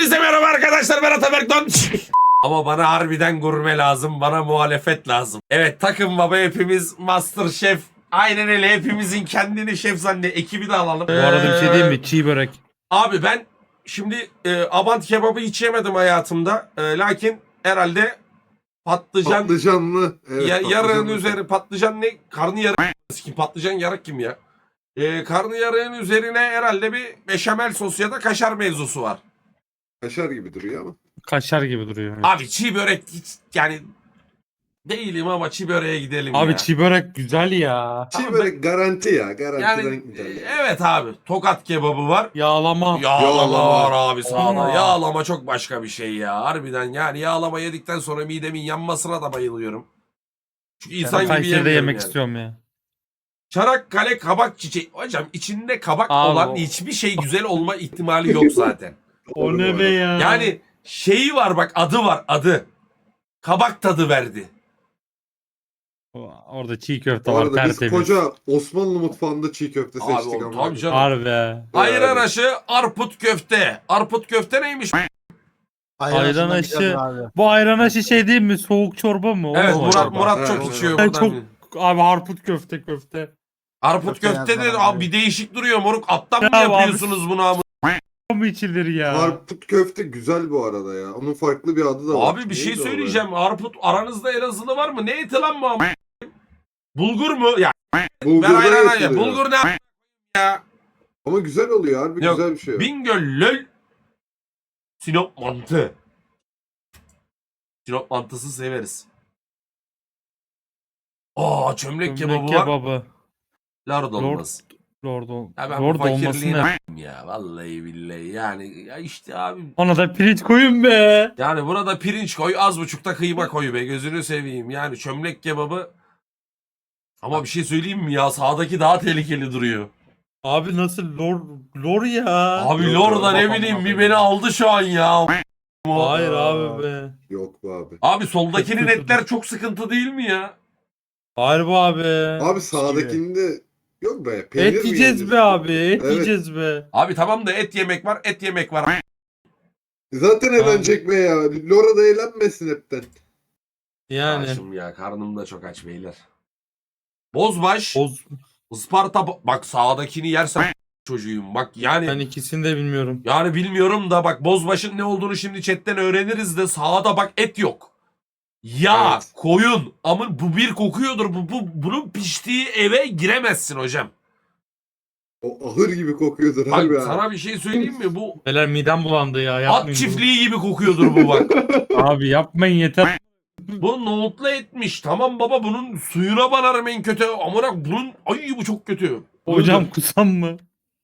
Hepinize merhaba arkadaşlar, ben Ataberk Don. Ama bana harbiden gurme lazım, bana muhalefet lazım. Evet, takım baba, hepimiz Master Şef. Aynen öyle, hepimizin kendini şef zannet. Ekibi de alalım. Bu arada bir şey diyeyim mi? Çiğ börek. Abi ben şimdi Abant kebabı hiç yemedim hayatımda. Lakin herhalde Patlıcanlı. Evet, yarığın patlıcanlı. üzeri patlıcan ne? Karnıyarık kim? Patlıcan yarık kim ya? Karnıyarığın üzerine herhalde bir beşamel sos ya da kaşar mevzusu var. Kaşar gibi duruyor ama. Kaşar gibi duruyor. Evet. Abi çiğ börek hiç yani değilim ama çiğ böreğe gidelim Abi ya. çiğ börek güzel ya. Çiğ böyle garanti ya. Garantiden Yani giderler. evet abi, Tokat kebabı var. Yağlama. Yağlama var abi sağda. Aa. Yağlama çok başka bir şey ya. Harbiden yani yağlama yedikten sonra midemin yanmasına da bayılıyorum. Çünkü insan gibi Kayseri'de yemiyorum yemek yani. istiyorum ya. Çanakkale kabak çiçeği. Hocam içinde kabak Abi olan o- hiçbir şey güzel olma ihtimali yok zaten. O ne be ya? Yani şeyi var bak, adı var, adı. Kabak tadı verdi. Orada çiğ köfte Bu var arada biz tertemiz. koca Osmanlı mutfağında çiğ köfte Abi seçtik oğlum, ama. tabii canım. Harbi. Ayran aşı, arput köfte. Arput köfte neymiş? Ayran aşı. Bu ayran aşı şey değil mi? Soğuk çorba mı? O Evet, mu? Murat Evet, çok evet. içiyor Ben buradan. çok abi harput köfte. Arput Köfte köfte de yazmadan abi abi. bir değişik duruyor moruk. Attan mı Ya abi, yapıyorsunuz bunu abi? O mu içilir ya? Harput köfte güzel bu arada ya. Onun farklı bir adı da var. Abi bir şey Neydi o be? söyleyeceğim. Arput aranızda Elazığlı var mı? Ne eti lan bu ama? Bulgur mu? Ya ver Bulgurdan ayran yapılıyor. ya. Bulgur ne ya? Ama güzel oluyor harbi, Yok, güzel bir şey. Bingöl, Löl, Sinop mantı. Sinop mantısı severiz. Aa, çömlek kebabı var. Kebabı. Lard olmaz. Lord Ya ben Lord bu olmasın fakirliğine ne? ya vallahi billahi yani ya işte abi. Ona da pirinç koyun be. Yani burada pirinç koy, az buçukta kıyma koy be, gözünü seveyim. Yani çömlek kebabı. Ama bir şey söyleyeyim mi ya, sağdaki daha tehlikeli duruyor. Abi nasıl lor ya? Abi Yok, Lorda ne babam bileyim abi. bir beni aldı şu an ya. Hayır abi be. Yok bu abi. Abi soldakinin Çok kötü. etler çok sıkıntı değil mi ya? Harbi abi. Abi sağdakinde yok be. Peynir Et mi yiyeceğiz yiyeceğiz? be abi. Et Evet. yiyeceğiz be. Abi tamam da et yemek var, et yemek var. Zaten eğlenecek be ya. Lora da eğlenmesin hepten. Yani. Açım ya, karnım da çok aç beyler. Bozbaş, Boz. Isparta, bak sağdakini yersen çocuğum bak yani. Ben ikisini de bilmiyorum. Yani bilmiyorum da bak, bozbaşın ne olduğunu şimdi chatten öğreniriz de sağda bak et yok. Ya Evet. koyun ama bu bir kokuyordur. Bunun piştiği eve giremezsin hocam. O ahır gibi kokuyordur Bak harbi sana abi. bir şey söyleyeyim mi? Bu Beyler midem bulandı ya. at Yapmayın çiftliği gibi kokuyordur bu bak. bunu. Abi yapmayın yeter. Bu nohutla etmiş. Tamam baba, bunun suyuna banarım en kötü. Amına bunun, ay bu çok kötü. Hocam kusam mı?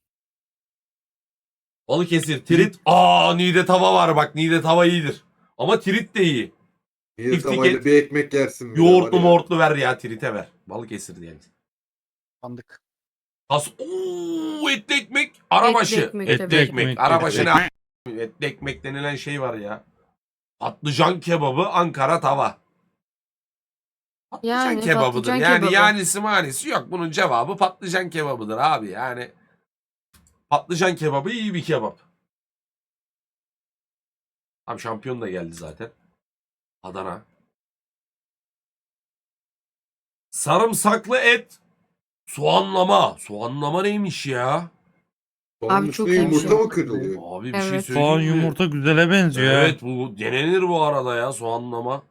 Balıkesir, tirit. Aa, Niğde tava var bak. Niğde tava iyidir. Ama tirit de iyi. Bir Tiftik tavayla et. bir ekmek yersin. bir de Yoğurtlu var ya. moğurtlu ver ya, tirite ver. Balıkesir diyelim. Sandık. Etli ekmek, arabaşı. Etli ekmek Etli tabii. ekmek. Arabaşı ne? Etli ekmek denilen şey var ya. Patlıcan kebabı, Ankara tava. Patlıcan Yani kebabıdır. patlıcan Yani kebabı. yanisi manisi yok. Bunun cevabı patlıcan kebabıdır abi. Yani patlıcan kebabı iyi bir kebap. Abi şampiyon da geldi zaten. Adana. Sarımsaklı et. Soğanlama. Soğanlama neymiş ya? Onun Abi üstüne çok iyi bir yumurta şey. mı kırılıyor? Abi bir şey Evet. söyleyeyim Soğan mi? yumurta güzele benziyor. Evet, bu denenir bu arada ya, soğanlama.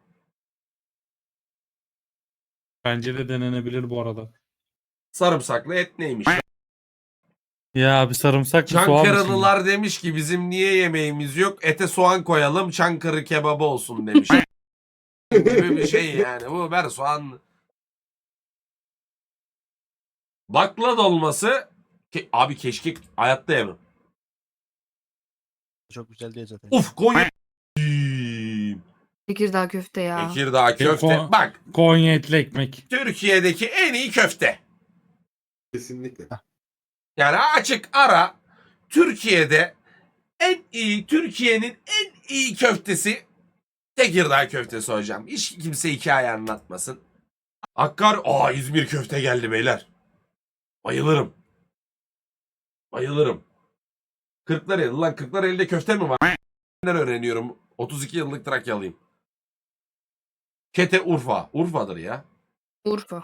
Bence de denenebilir bu arada. Sarımsaklı et neymiş? Ya bir sarımsak mı soğan mı şimdi? Çankırılılar demiş ki bizim niye yemeğimiz yok? Ete soğan koyalım, Çankırı kebabı olsun demiş. Gibi bir şey yani. Bu ver soğan. Bakla dolması. Abi keşke hayatta yemem. Çok güzel değil zaten. Uf, Konya. Tekirdağ köfte ya. Tekirdağ köfte. Ko- Bak, Konya etli ekmek. Türkiye'deki en iyi köfte. Kesinlikle. Yani açık ara, Türkiye'de en iyi, Türkiye'nin en iyi köftesi Tekirdağ köftesi hocam. Hiç kimse hikaye anlatmasın. İzmir köfte geldi beyler. Bayılırım. Bayılırım. Kırklareli lan, Kırklareli'de köfte mi var? öğreniyorum. 32 yıllık Trakyalıyım. Kete Urfa. Urfa'dır ya. Urfa.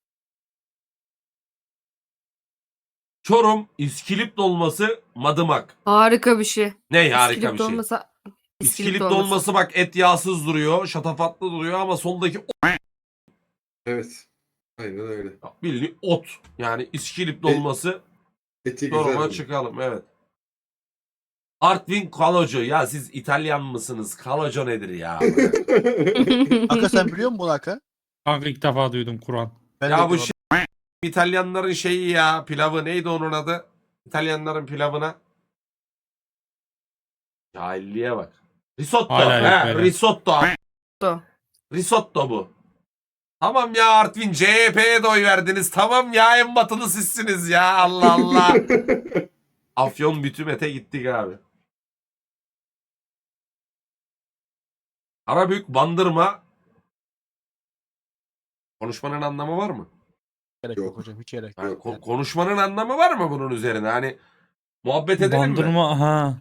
Çorum İskilip dolması madımak. Harika bir şey. Ne harika İskilip bir şey. dolması. İskilip dolması bak et yağsız duruyor. Şatafatlı duruyor ama soldaki Evet. Aynen öyle. bildiğin ot. Yani İskilip dolması. Eti Çorum'a güzel. çıkalım evet. Artvin Kaloco. Ya siz İtalyan mısınız? Kaloco nedir ya? Aka sen biliyor musun bunu Aka? Kanka ilk defa duydum Kur'an. Ben Ya de bu diyorum. İtalyanların şeyi ya. Pilavı neydi onun adı? İtalyanların pilavına. Cahilliğe bak. Risotto. Hala yok He, böyle. risotto. Do. Risotto bu. Tamam ya Artvin CHP'ye de oy verdiniz. Tamam ya en batılı sizsiniz ya. Allah Allah. Afyon Bütümet'e gittik abi. Karabük Bandırma. Konuşmanın anlamı var mı? Gerek Yok. yok hocam hiç gerek Yani yok. konuşmanın anlamı var mı bunun üzerine? Hani muhabbet edelim mi? Bandırma ha.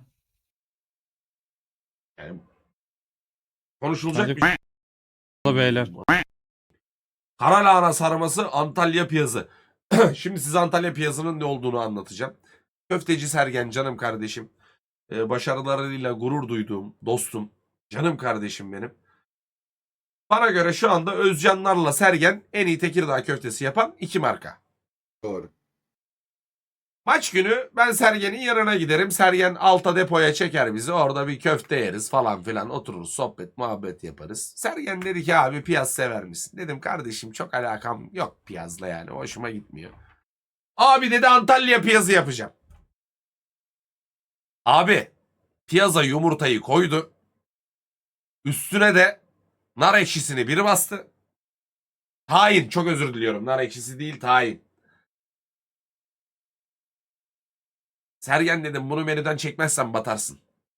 Yani konuşulacak Bence bir şey. beyler. Karalahana sarması Antalya piyazı. Şimdi size Antalya piyazının ne olduğunu anlatacağım. Köfteci Sergen canım kardeşim. Başarılarıyla gurur duyduğum dostum. Canım kardeşim benim. Bana göre şu anda Özcanlarla Sergen en iyi Tekirdağ köftesi yapan iki marka. Doğru. Maç günü ben Sergen'in yanına giderim. Sergen alta depoya çeker bizi. Orada bir köfte yeriz falan filan. Otururuz sohbet muhabbet yaparız. Sergen dedi ki abi piyaz sever misin? Dedim kardeşim çok alakam yok piyazla yani. Hoşuma gitmiyor. Abi dedi Antalya piyazı yapacağım. Abi piyaza yumurtayı koydu. Üstüne de nar ekşisini bir bastı. Tahin çok özür diliyorum. Nar ekşisi değil tahin. Sergen dedim bunu menüden çekmezsen batarsın.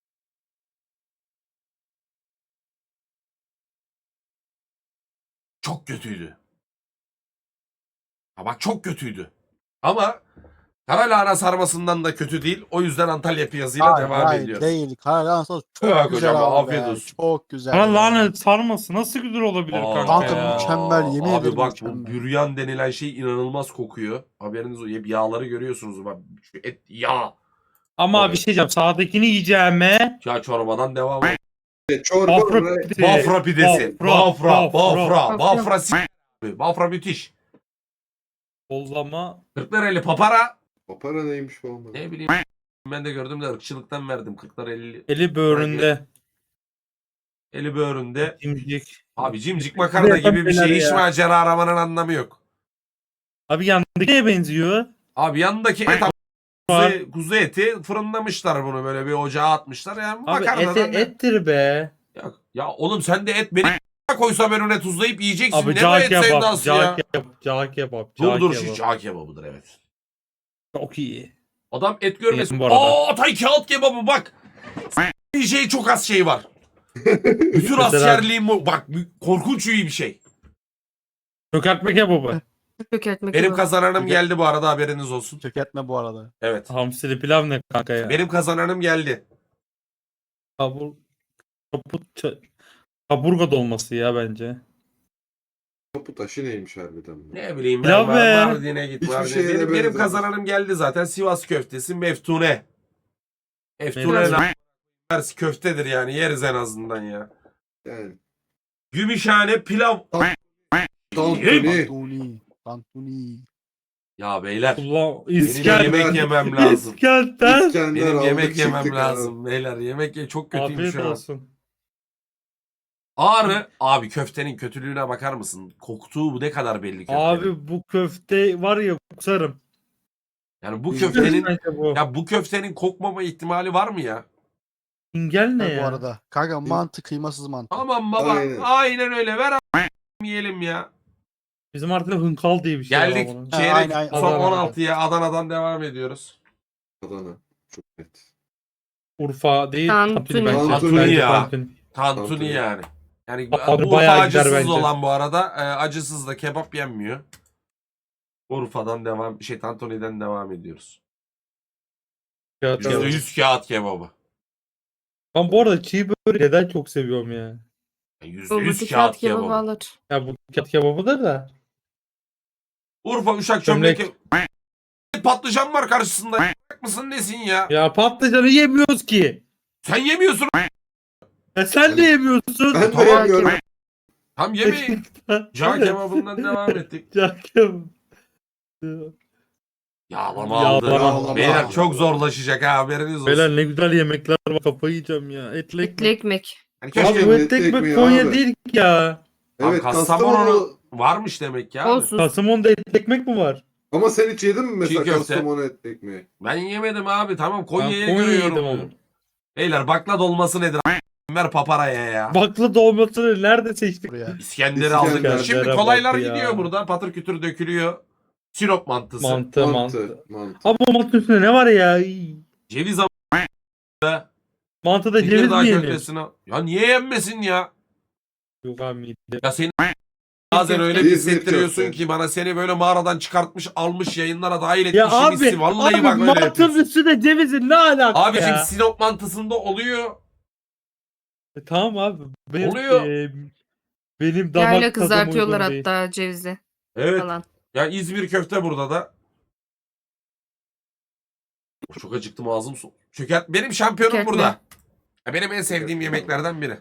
Çok kötüydü. Ha bak çok kötüydü. Ama Karalahana sarmasından da kötü değil. O yüzden Antalya piyazıyla Hayır, devam hayır, ediyoruz. değil. Karalan sos çok Yok güzel hocam, abi afiyet be. olsun. Çok güzel. Bana ya. lanet sarması nasıl güzel olabilir Aa, kanka Kanka ya. mükemmel, yemin abi ederim bak mükemmel. bu büryan denilen şey inanılmaz kokuyor. Haberiniz olsun. Hep yağları görüyorsunuz. Bak şu et yağ. Ama Evet. bir şey diyeceğim. Sağdakini yiyeceğime Ya çorbadan devam. Çorba Bafra oraya- pidesi. Bafra pidesi. Bafra. Bafra. Bafra müthiş. Bollama. Kırklareli papara. Papara neymiş bu olmadı? Ne bileyim. Ben de gördüm de ırkçılıktan verdim. Kırklareli. Eli böğründe. Eli böğründe. Cimcik. Abi cimcik makarna gibi bir şey. Hiç macera aramanın anlamı yok. Abi yandaki neye benziyor? Abi yanındaki et Var. kuzu eti fırınlamışlar bunu böyle bir ocağa atmışlar. Yani Abi makarnadan ne? ettir be. Ya oğlum sen de et beni koysam önüne tuzlayıp yiyeceksin. Abi ne bu cağ et kebap. sevdası ya? Cağ kebap. Dur şu cağ kebabıdır evet. Çok iyi. Adam et görmesin. Yedim bu arada. Aa tay kağıt kebabı bak. Şey çok az şey var. Bütün Mesela- askerliğim bu. Bak korkunç iyi bir şey. Çökertme kebabı. Çökertme Benim kebabı. kazananım geldi bu arada haberiniz olsun. Çökertme bu arada. Evet. Hamsili pilav ne kanka ya? Benim kazananım geldi. Kaburga dolması ya bence. Kapı taşı neymiş harbiden? Bu? Ne bileyim Pilav ben be. Mardin'e git. Hiçbir Mardin'e. şeye de Benim benzemez. kazananım geldi zaten. Sivas köftesi meftune. Meftune Meftune. ters köftedir yani yeriz en azından ya. Yani. Gümüşhane pilav. Tantuni. Tantuni. Tantuni. Ya beyler Ulan benim İskender. yemek yemem lazım. İskender. İskender Benim aldık, yemek çıktık yemem abi. lazım beyler. Yemek çok kötüyüm Afiyet şu an. olsun. Ağrı abi köftenin kötülüğüne bakar mısın? Koktuğu bu ne kadar belli köftenin. Abi bu köfte var ya kusarım. Yani bu Güzel köftenin Bence bu. ya bu köftenin kokmama ihtimali var mı ya? İngel ne Bu ya? arada. Kanka mantı kıymasız mantı. Tamam baba. Aynen. Aynen öyle. Ver yiyelim ya. Bizim artık hınkal diye bir şey Geldik var bunun. çeyrek aynen. son Adana. 16'ya Adana'dan devam ediyoruz. Adana. Çok net. Urfa değil. Tantuni. bence. Tantuni Bence ya. tantuni. Tantuni Tantuni. yani. Yani Abi bu bayağı Urfa gider acısız bence. olan bu arada. Acısız da kebap yenmiyor. Urfa'dan devam Tantuni'den devam ediyoruz. Kağıt kebabı. %100 kağıt kebabı. Ben bu arada çiğ böreği neden çok seviyorum ya. %100 Buradaki kağıt kağıt kebabı kebabı. alır. Ya bu kağıt kebabıdır da. Urfa Uşak Çömlek. çömlek. Patlıcan var karşısında. Mısın nesin ya? Ya patlıcanı yemiyoruz ki. Sen yemiyorsun. Ya sen de yemiyorsun. Ben de Tamam. yemiyorum. Tam yemeği. Cağ kebabından devam ettik. Cağ kebabı. Yağlama aldı. Yağlama. Beyler çok zorlaşacak ha, haberiniz olsun. Beyler ne güzel yemekler var, kafayı yiyeceğim ya. Etli Etli ekmek. ekmek. Hani Abi keşke bu Etli etli ekmek ekmeği Konya abi. değil ki ya. Evet Kastamonu Kastamonu. varmış demek ya. Abi. Olsun. Kastamonu'da etli ekmek mi var? Ama sen hiç yedin mi mesela Çiğ köfte. Kastamonu etli ekmeği? Ben yemedim abi, tamam Ben Konya'ya Konya'yı yedim görüyorum. ama. Beyler bakla dolması nedir? Ver paparaya ya. Bakla dolmasını nerede seçtik? Buraya. İskender'i aldık. İskender. Şimdi Bak kolaylar ya. gidiyor burada. Patır kütür dökülüyor. Sinop mantısı. Mantı. Mantı. Abi o mantının üstünde ne var ya? İy. Ceviz Mantıda ceviz Tekirdağ mi yenir? köftesine. Ya niye yenmesin ya? Yok abi mide. Ya seni bazen öyle bir İzmir hissettiriyorsun köfte. ki bana, seni böyle mağaradan çıkartmış almış yayınlara dahil etmiş Ya abi, hissi. Vallahi abi bak öyle mantının yapıyorsun. üstünde cevizin ne alaka Abicim ya? Sinop mantısında oluyor. Tamam abi. Benim, Oluyor. benim damak Yayla tadıma kızartıyorlar uygun değil. hatta cevizi Evet. falan. Ya İzmir köfte burada da. Çok acıktım, ağzım su. Çökert. Benim şampiyonum Çökertme. burada. Ya benim en sevdiğim yemeklerden biri.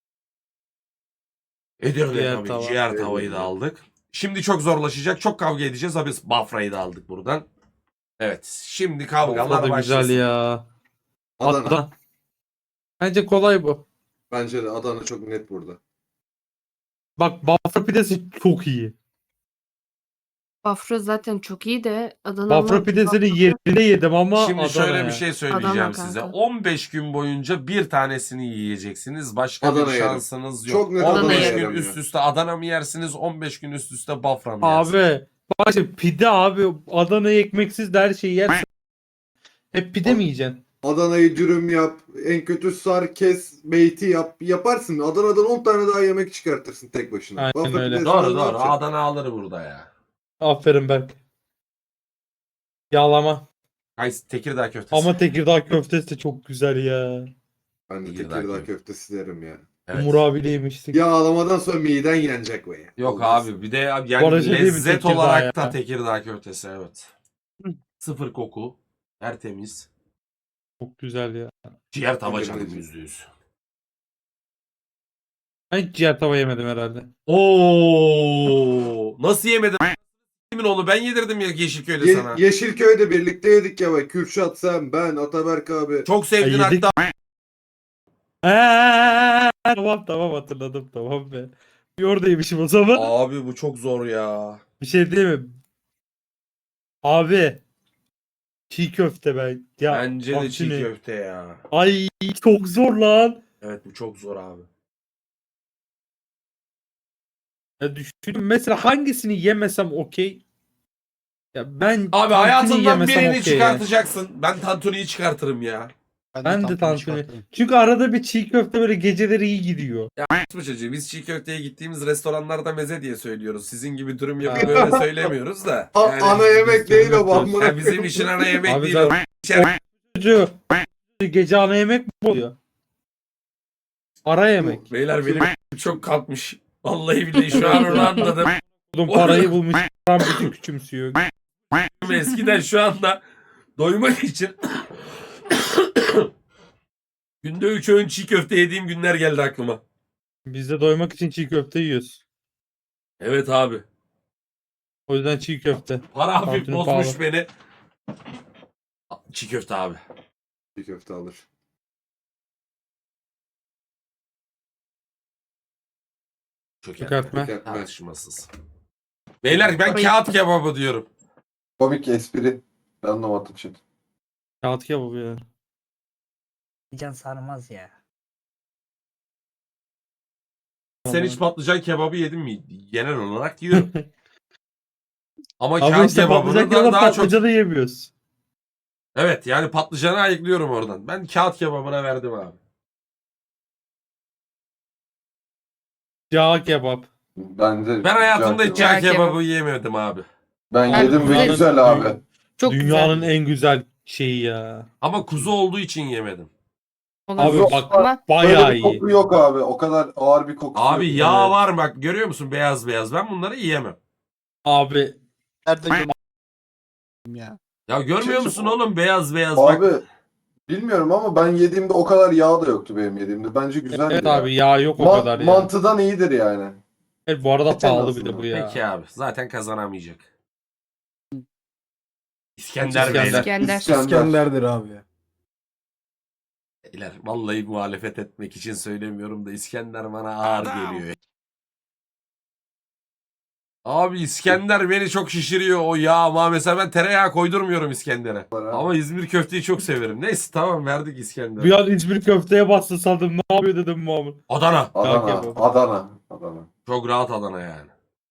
Edirne Ciğer tabii. tava. Ciğer tavayı da aldık. Şimdi çok zorlaşacak. Çok kavga edeceğiz. Abi Bafra'yı da aldık buradan. Evet. Şimdi kavgalar Bafra da başlasın. güzel ya. Adana. Adana. Bence kolay bu. Bence de Adana çok net burada. Bak Bafra pidesi çok iyi. Bafra zaten çok iyi de Adana'nın Bafra pidesini yerinde yedim ama Şimdi Adana şöyle ya. bir şey söyleyeceğim Adana size. kanka. 15 gün boyunca bir tanesini yiyeceksiniz. Başka Adana bir yerim. şansınız yok. Çok net 15 Adana gün yerim üst ya. üste Adana mı yersiniz? 15 gün üst üste Bafra mı yersiniz? Abi bak şimdi pide abi, Adana'yı ekmeksiz de her şeyi yersin. Hep pide mi yiyeceksin? Adana'yı dürüm yap. En kötü sar kes. Beyti yap. Yaparsın. Adana'dan 10 tane daha yemek çıkartırsın tek başına. Aynen Bafra öyle. pidesinden Doğru ne doğru. yapacaksın? Adana alır burada ya. Aferin Berk. Yağlama. Tekirdağ köftesi. Ama Tekirdağ köftesi de çok güzel ya. Ben de Tekirdağ Tekirdağ köfte. köftesi derim ya. Evet. Umur abiyle yemiştik. Yağlamadan sonra miden yenecek be. Yok Olmaz. abi, bir de abi Bu yani arada şey değil mi, lezzet Tekirdağ olarak ya? da Tekirdağ köftesi, evet. Sıfır koku. Tertemiz. Çok güzel ya. Ciğer tava Tekirdağ canım köftesi. %100. Ben hiç ciğer tava yemedim herhalde. Oo, nasıl yemedin? Kimin onu ben yedirdim ya Yeşilköy'de sana. Yeşilköy'de birlikte yedik ya bak. Kürşat sen, ben, Ataberk abi. Çok sevdin Ya yedik. hatta. Tamam hatırladım, tamam be. Bir oradaymışım o zaman. Abi bu çok zor ya. Bir şey değil mi? Abi. Çiğ köfte ben. Ya, Bence de bak çiğ şimdi. köfte ya. Ay çok zor lan. Evet bu çok zor abi. Ya düşünün mesela hangisini yemesem okey. Ya ben Abi tantuni hayatından yemesem birini okey ya. çıkartacaksın. Ben tantuniyi çıkartırım ya. Ben de tantuni. çıkartırım. Çünkü arada bir çiğ köfte böyle geceleri iyi gidiyor. Bu çocuğu biz çiğ köfteye gittiğimiz restoranlarda meze diye söylüyoruz. Sizin gibi dürüm yapıp böyle söylemiyoruz da. Yani, Ana yemek değil o bu. ya bizim işin ana yemek Abi değil o. zaten- Çocuğu gece ana yemek mi oluyor? Ara yemek. Beyler benim çok kalkmış. Vallahi billahi şu an onu anladım. Oğlum parayı bulmuş. Param bütün küçümsüyor. Eskiden şu anda doymak için günde 3 öğün çiğ köfte yediğim günler geldi aklıma. Biz de doymak için çiğ köfte yiyoruz. Evet abi. O yüzden çiğ köfte. Para hafif Tantuni bozmuş pahalı. beni. Çiğ köfte abi. Bir köfte alır. Çıkartma. Çökertme. Tartışmasız. Beyler ben kağıt kebabı diyorum. Komik espri. Ben anlamadım şimdi. Kağıt kebabı ya. Can sarmaz ya. Sen hiç patlıcan kebabı yedin mi? Genel olarak yiyorum. Ama Ama kağıt işte kebabını patlıcan da kebap daha çok... patlıcanı yemiyoruz. Evet yani patlıcanı ayıklıyorum oradan. Ben kağıt kebabına verdim abi. Yağ kebap. Ben Ben hayatımda hiç Cağ cağ kebabı. kebabı yemedim abi. Ben Ben yedim ve güzel- güzel abi. Çok Dünyanın güzel. en güzel şeyi ya. Ama kuzu olduğu için yemedim. Olabilir. Abi bak Ama bayağı Böyle bir iyi. koku yok abi. O kadar ağır bir kokusu Abi yok. yağ Evet. var bak görüyor musun beyaz beyaz. Ben bunları yiyemem. Abi Nerede yiyorum ya. Ya görmüyor Çık- musun oğlum beyaz beyaz bak. Abi bilmiyorum ama ben yediğimde o kadar yağ da yoktu benim yediğimde. Bence güzeldi evet ya. abi yağ yok o Ma- kadar ya. Mantıdan iyidir yani. Evet, bu arada Et en pahalı bir de azından. bu ya. Peki abi zaten kazanamayacak. İskender İskender. Beyler. İskender. İskender'dir abi. Beyler vallahi muhalefet etmek için söylemiyorum da İskender bana ağır geliyor. Abi İskender beni çok şişiriyor o yağ ama mesela ben tereyağı koydurmuyorum İskender'e. Ama İzmir köfteyi çok severim. Neyse tamam verdik Bir İskender'e. an İzmir köfteye bastı sandım. Ne yapıyor dedim Muhammed. Adana. Adana, Kanka bu. Adana, Adana. Çok rahat Adana yani.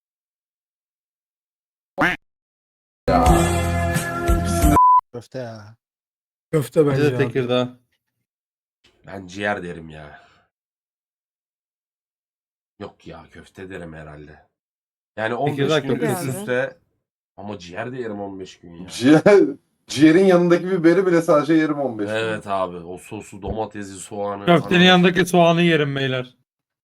Köfte ya. Köfte Bence bence de abi. Tekirdağ. Ben ciğer derim ya. Yok ya köfte derim herhalde. Yani 15 Tekirdağ gün köftesi. üst üste ama ciğer de yerim 15 gün ya. Ciğerin yanındaki biberi bile sadece yerim 15 gün. Evet abi o sosu domatesi soğanı. Köftenin Ana- yanındaki soğanı yerim beyler.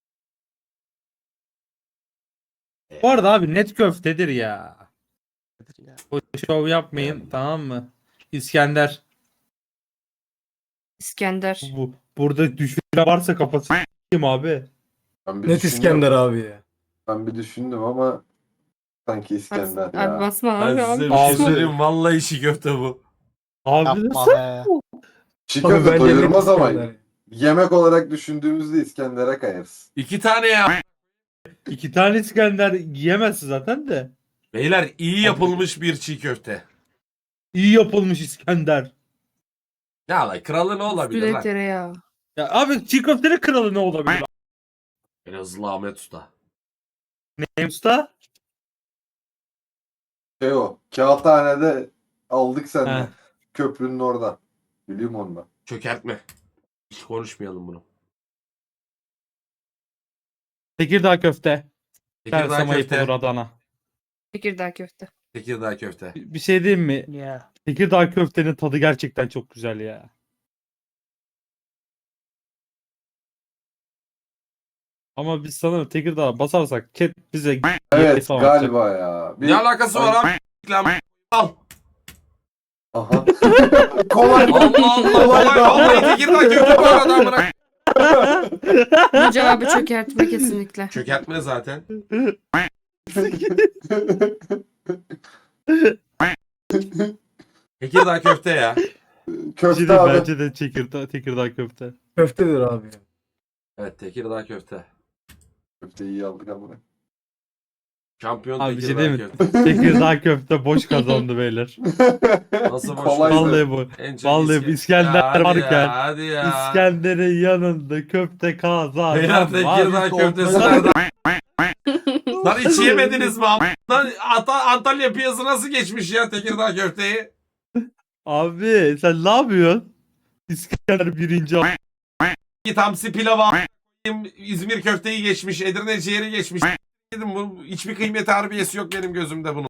Bu arada abi net köftedir ya. Nedir ya? O şov yapmayın tamam mı? İskender. İskender. Burada düşünce varsa kafası s**eyim abi. Ben bir Net düşündüm. İskender abi ya. Ben bir düşündüm ama sanki İskender Abi ya. basma Ben abi. size Abi. bir şey Abi. söyleyeyim vallahi işi köfte bu. Abi Yapma nasıl? be. Çiğ Abi köfte bence net doyurmaz ama İskender. yemek olarak düşündüğümüzde İskender'e kayarız. 2 tane ya. 2 tane İskender yiyemezsin zaten de. Beyler iyi yapılmış bir çiğ köfte. İyi yapılmış İskender. Ya lan kralı ne olabilir Üstüne lan? tereyağı. Ya abi çiğ köftenin kralı ne olabilir? Elazığlı Ahmet Usta. Ne usta? O, Kağıthane'de aldık He. senden. Köprünün orada. Biliyorum onu ben. Çökertme. Hiç konuşmayalım bunu. Tekirdağ köfte. Tekirdağ Tersama köfte. yapılır Adana. Tekirdağ köfte. Tekirdağ köfte. Bir şey diyeyim mi? Ya. Tekirdağ köftenin tadı gerçekten çok güzel ya. Ama biz sanırım Tekirdağ'a basarsak chat bize Evet falan atacak. galiba ya. Ne alakası var abi? Lan al. Aha. Kolay. Allah Allah. Kolay Kolay. da. Vallahi Tekirdağ köfte bu arada amına. Bu cevabı çökertme kesinlikle. Çökertme zaten. Tekirdağ köfte ya. Köfte Bence abi. bence de Tekirdağ köfte. Köftedir abi ya. Evet Tekirdağ köfte. Köfteyi iyi aldık ama. Şampiyon Abi bir şey Tekirdağ değil mi? köfte. Tekirdağ köfte boş kazandı beyler. Nasıl boş Kolaydı. Vallahi bu. En çok Vallahi İskender hadi varken ya, hadi ya. İskender'in yanında köfte kazandı. Beyler Tekirdağ köftesi nerede? Lan hiç yemediniz mi? Lan Antalya piyası nasıl geçmiş ya Tekirdağ köfteyi? Abi sen ne yapıyorsun? İskender birinci al. Git hamsi pilava İzmir köfteyi geçmiş, Edirne ciğeri geçmiş. Dedim bu hiçbir kıymeti harbiyesi yok benim gözümde bunun.